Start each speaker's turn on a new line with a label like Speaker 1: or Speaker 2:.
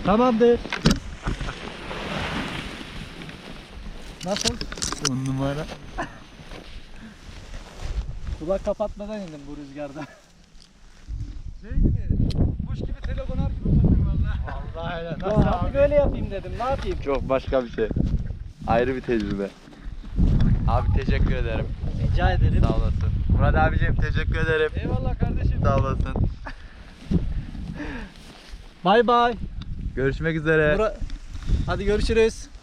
Speaker 1: Tamamdır. Nasıl?
Speaker 2: 10 numara.
Speaker 1: Kulak kapatmadan indim bu rüzgarda.
Speaker 3: Şey gibi, kuş gibi telefonar gibi bakıyor valla.
Speaker 1: Vallahi öyle. Nasıl abi? Böyle yapayım dedim. Ne yapayım?
Speaker 2: Çok başka bir şey. Ayrı bir tecrübe. Abi teşekkür ederim.
Speaker 1: Rica ederim.
Speaker 2: Sağ olasın. Murat abicim teşekkür ederim.
Speaker 3: Eyvallah kardeşim.
Speaker 2: Sağ olasın.
Speaker 1: Bay bay.
Speaker 2: Görüşmek üzere.
Speaker 1: Hadi görüşürüz.